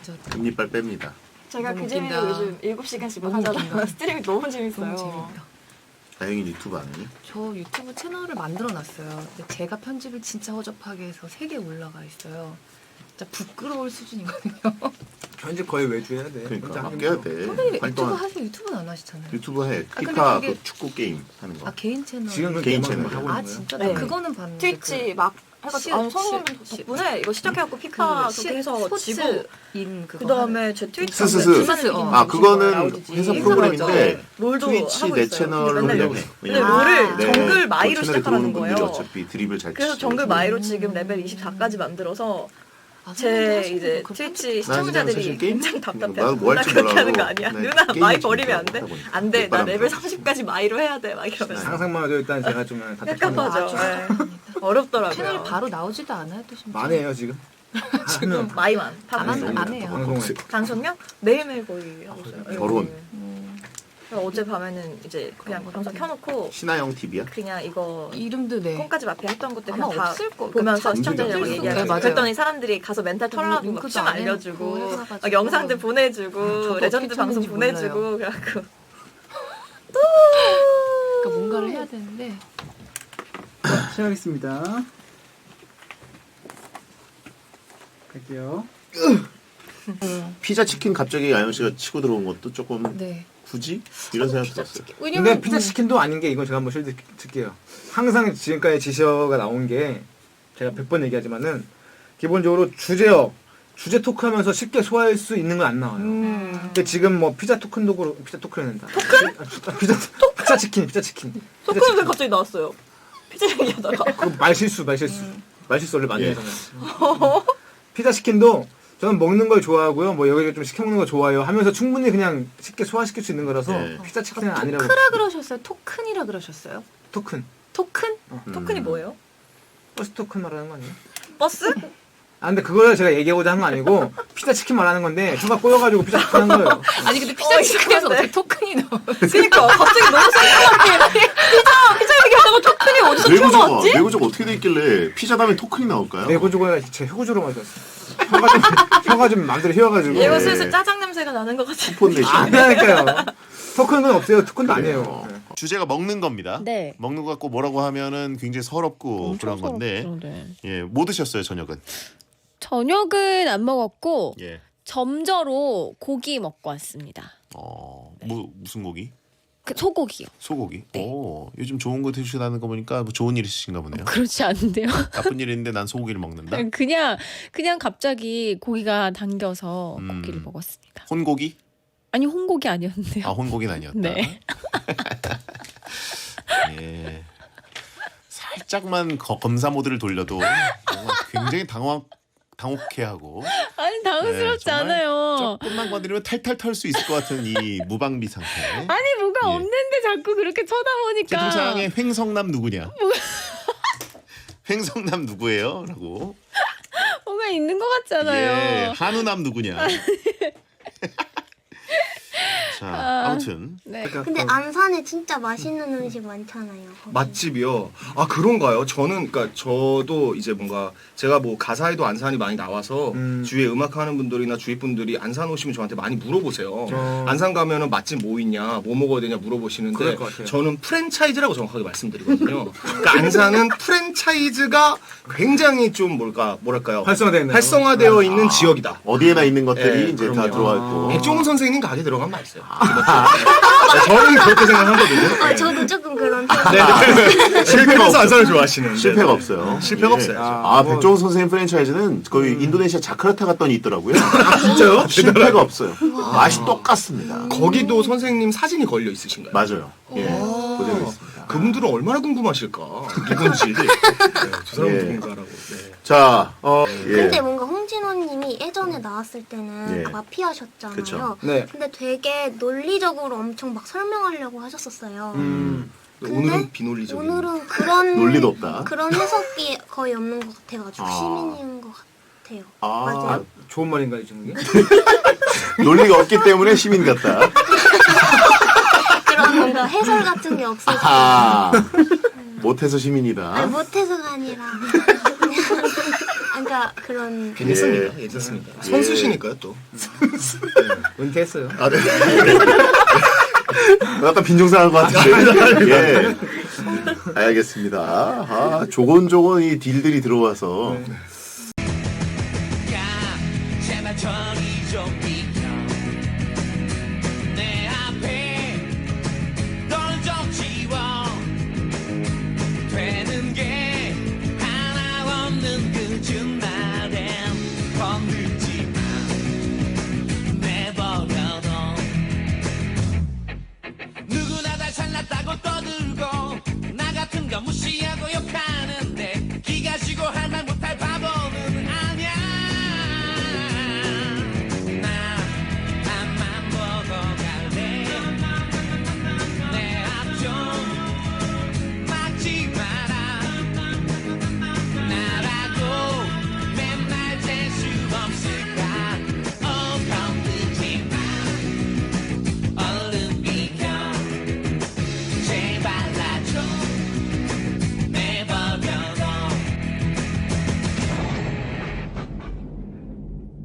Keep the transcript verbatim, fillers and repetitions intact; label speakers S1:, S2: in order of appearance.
S1: 진짜
S2: 금리빨 뺍니다.
S3: 제가
S1: 너무
S3: 그 재미로
S1: 웃긴다.
S3: 요즘 일곱 시간씩
S1: 너무
S3: 하잖아요.
S1: 웃긴다.
S3: 스트리밍 너무 재밌어요.
S1: 너무 재밌다.
S2: 다행히 유튜브 안 하니?
S1: 저 유튜브 채널을 만들어 놨어요. 근데 제가 편집을 진짜 허접하게 해서 세 개 올라가 있어요. 진짜 부끄러울 수준이거든요.
S4: 편집 거의 외주 해야 돼.
S2: 그러니까
S4: 혼자 하기
S2: 아껴야
S4: 힘들어.
S2: 돼.
S1: 선배님 유튜브
S2: 활동한
S1: 하세요. 유튜브는 안 하시잖아요.
S2: 유튜브 해.
S1: 아, 근데
S2: 피파
S1: 그게-
S2: 그 축구 게임 하는 거.
S1: 아 개인 채널.
S4: 지금 그
S2: 개인
S4: 개인 채널
S2: 채널.
S4: 하고
S1: 아
S4: 있는 거예요?
S1: 진짜
S3: 네.
S1: 나 그거는 봤는데
S3: 트위치 막 해가지고 아,
S1: 시-
S3: 성우분
S1: 시-
S3: 덕분에 이거 시작해갖고 피파
S1: 시-
S3: 그렇게 해서 지고
S1: 스포츠인 그거
S3: 그 다음에 제 트위치
S2: 스스스.
S1: 스스스, 어.
S2: 아 그거는
S3: 나오지.
S2: 회사
S1: 인사
S2: 프로그램인데
S3: 롤도
S2: 트위치
S3: 하고
S2: 내
S3: 있어요.
S2: 채널로
S3: 근데 맨날
S2: 그냥 해.
S3: 근데
S2: 왜냐면
S3: 롤을
S2: 내
S3: 정글 마이로
S2: 그 채널에
S3: 시작하라는
S2: 들어오는 분들이
S3: 거예요.
S2: 어차피 드립을 잘
S3: 그래서
S2: 치시고.
S3: 정글 마이로 지금 레벨 이십사까지 만들어서
S1: 아,
S3: 제 이제 트위치
S2: 난 그냥 사실
S3: 시청자들이
S2: 게임
S3: 굉장히 답답해.
S2: 나도 뭐
S3: 나
S2: 할지
S3: 그렇게 하는
S2: 몰라도
S3: 거 아니야.
S2: 네,
S3: 누나
S2: 게임이
S3: 마이
S2: 재밌더라고,
S3: 버리면 안 돼?
S2: 하다 보니까.
S3: 안 돼. 나
S2: 뒷바람
S3: 레벨
S2: 불고.
S3: 삼십까지 마이로 해야 돼. 막 이러면서.
S4: 상상만 해도 일단 제가 좀 답답합니다.
S3: 깝깝하죠. 네.
S1: 채널이
S3: 어렵더라고요.
S1: 바로 나오지도 않아요. 또 심지어.
S4: 많네요 지금.
S3: 지금 마이만.
S1: 안
S3: 방송.
S1: 하면 안 해요.
S4: 방송을.
S3: 방송요? 매일매일 거의 하고 있어요. 네.
S2: 결혼.
S1: 음,
S3: 어제 밤에는 이제 그냥 방송 켜놓고
S2: 신하영 티비야?
S3: 그냥 이거
S1: 이름도 네.
S3: 콩까지 앞에 했던 것들
S1: 아마
S3: 그냥 다
S1: 없을 거.
S3: 보면서
S2: 그러니까
S3: 시청자들이랑
S2: 잠기가
S3: 얘기하고
S1: 네, 맞아요.
S3: 그랬더니 사람들이 가서 멘탈 털라고 막
S1: 링크도
S3: 춤
S1: 안 해놓고
S3: 알려주고
S1: 해가지고.
S3: 막 영상들 보내주고
S1: 저도
S3: 레전드
S1: 어떻게
S3: 방송
S1: 쳤는지
S3: 보내주고
S1: 몰라요.
S3: 그래갖고
S1: 그러니까 뭔가를 해야 되는데
S5: 시작하겠습니다. 갈게요.
S2: 피자 치킨 갑자기 아영 씨가 치고 들어온 것도 조금
S1: 네.
S2: 굳이 이런 생각 들었어요.
S4: 근데 피자 치킨도 아닌 게 이건 제가 한번 실드 드릴게요. 항상 지금까지 지시어가 나온 게 제가 백 번 얘기하지만은 기본적으로 주제어, 주제 토크하면서 쉽게 소화할 수 있는 건 안 나와요.
S3: 음.
S4: 근데 지금 뭐 피자 토큰도 그렇고 피자 토큰을 낸다. 토큰? 아, 피자 피자 치킨, 피자 치킨. 피자
S3: 토크는 왜
S4: 치킨.
S3: 갑자기 나왔어요? 피자 얘기하다가
S4: 그 말실수, 말실수. 말실수 원래 많이
S2: 예.
S4: 하잖아요. 피자 치킨도 저는 먹는 걸 좋아하고요. 뭐 여기저기 좀 시켜 먹는 거 좋아해요. 하면서 충분히 그냥 쉽게 소화시킬 수 있는 거라서
S2: 네.
S4: 피자 치킨은 아니라고.
S1: 토크라 그러셨어요? 토큰이라 그러셨어요?
S4: 토큰.
S1: 토큰?
S3: 토큰이 뭐예요?
S4: 버스 토큰 말하는 거 아니에요?
S3: 버스?
S4: 아 근데 그걸 제가 얘기하고자 한 거 아니고 피자 치킨 말하는 건데 누가 꼬여가지고 피자 치킨 한 거예요.
S1: 아니 근데 피자
S3: 어,
S1: 치킨에서
S3: 이상한데?
S1: 어떻게 토큰이 나와?
S3: 그니까 갑자기 너무 생각나게 피자 피자 얘기하다가 토큰이 어디서
S2: 외고조가
S3: 튀어나왔지?
S2: 외고조가 어떻게 돼 있길래 피자 다음에 토큰이 나올까요?
S4: 내고주가 제 혀구주로 마셨어. 혀가 좀 혀가 좀 맘대로 휘어가지고.
S3: 얘가
S2: 네.
S3: 슬슬 짜장 냄새가 나는 것 같아.
S2: 쿠폰 대신.
S4: 아니라니까요. 토큰은 없어요. 토큰도 아니에요.
S2: 어, 주제가 먹는 겁니다.
S6: 네.
S2: 먹는 거 갖고 뭐라고 하면은 굉장히 서럽고 그런 건데.
S6: 서럽죠, 네.
S2: 예, 뭐 드셨어요 저녁은?
S6: 저녁은 안 먹었고
S2: 예.
S6: 점저로 고기 먹고 왔습니다.
S2: 어, 뭐 무슨 고기?
S6: 그 소고기요.
S2: 소고기.
S6: 네.
S2: 오, 요즘 좋은 거 드시다는 거 보니까 뭐 좋은 일 있으신가 보네요.
S6: 그렇지 않은데요.
S2: 나쁜 일인데 난 소고기를 먹는다.
S6: 그냥 그냥 갑자기 고기가 당겨서
S2: 음.
S6: 고기를 먹었습니다.
S2: 혼고기?
S6: 아니 홍고기 아니었는데요.
S2: 아, 혼고기는 아니었다.
S6: 네.
S2: 예. 살짝만 거- 검사 모드를 돌려도 뭔가 굉장히 당황 당혹해하고
S6: 아니 당황스럽지
S2: 네, 정말
S6: 않아요.
S2: 조금만 건드리면 탈탈 털 수 있을 것 같은 이 무방비 상태.
S6: 아니 뭐가
S2: 예.
S6: 없는데 자꾸 그렇게 쳐다보니까.
S2: 채팅창에 횡성남 누구냐? 횡성남 누구예요? 라고.
S6: 뭐가 있는 것
S2: 예,
S6: 같잖아요.
S2: 한우남 누구냐? 자, 아무튼
S6: 네.
S7: 근데 안산에 진짜 맛있는 음식 많잖아요. 거기.
S8: 맛집이요? 아 그런가요? 저는 그러니까 저도 이제 뭔가 제가 뭐 가사에도 안산이 많이 나와서
S4: 음.
S8: 주위에 음악하는 분들이나 주위 분들이 안산 오시면 저한테 많이 물어보세요.
S4: 어.
S8: 안산 가면은 맛집 뭐 있냐, 뭐 먹어야 되냐 물어보시는데
S4: 그럴 것 같아요.
S8: 저는 프랜차이즈라고 정확하게 말씀드리거든요. 그러니까 안산은 프랜차이즈가 굉장히 좀 뭘까 뭐랄까요?
S4: 활성화되어 있나요?
S8: 활성화되어 있는 지역이다.
S2: 어디에나 있는 것들이
S8: 예,
S2: 이제 다
S8: 그럼요.
S2: 들어와 있고.
S8: 백종원 선생님 가게 들어가면 맛있어요. 저는 그렇게 생각하거든요.
S7: 아, 저도 조금 그런 편.
S8: 네, 실패해서 안산을 좋아하시는
S2: 실패가 없어요.
S8: 실패가
S2: 예.
S8: 없어요.
S2: 아,
S4: 뭐-
S2: 백종원 선생님 프랜차이즈는 거의 인도네시아 자카르타 갔더니 있더라고요.
S8: 진짜요?
S2: 실패가 없어요. 맛이 똑같습니다.
S8: 거기도 선생님 사진이 걸려 있으신가요?
S2: 맞아요. 예, 그대로 있습니다.
S8: 그분들은 얼마나 궁금하실까? 누군지. 네, 저 사람
S2: 예.
S8: 누군가라고. 네.
S2: 자, 어, 예.
S7: 근데 뭔가 홍진호님이 예전에 나왔을 때는
S2: 예.
S7: 그 마피아셨잖아요.
S2: 그쵸.
S4: 네.
S7: 근데 되게 논리적으로 엄청 막 설명하려고 하셨었어요.
S4: 음.
S7: 근데
S8: 오늘은 비논리적인.
S7: 오늘은 그런
S2: 논리도 없다.
S7: 그런 해석이 거의 없는 것 같아가지고
S2: 아.
S7: 시민인 것 같아요.
S2: 아,
S7: 맞아요.
S4: 좋은 말인가요 지금 이게?
S2: 논리가 없기 때문에 시민 같다.
S7: 그런 뭔가 해설 같은 게 없어서
S2: 아, 못해서 시민이다.
S7: 아니, 못해서가 아니라 그러니까 그런
S8: 괜찮습니다.
S2: 예.
S8: 괜찮습니다.
S2: 예.
S8: 선수시니까요 또.
S4: 은퇴했어요.
S8: 아 네.
S2: 약간 빈정상한 것 같은데. 예. 알겠습니다. 아, 조곤조곤 이 딜들이 들어와서.
S4: 네.
S9: 제발 저리 좀 비켜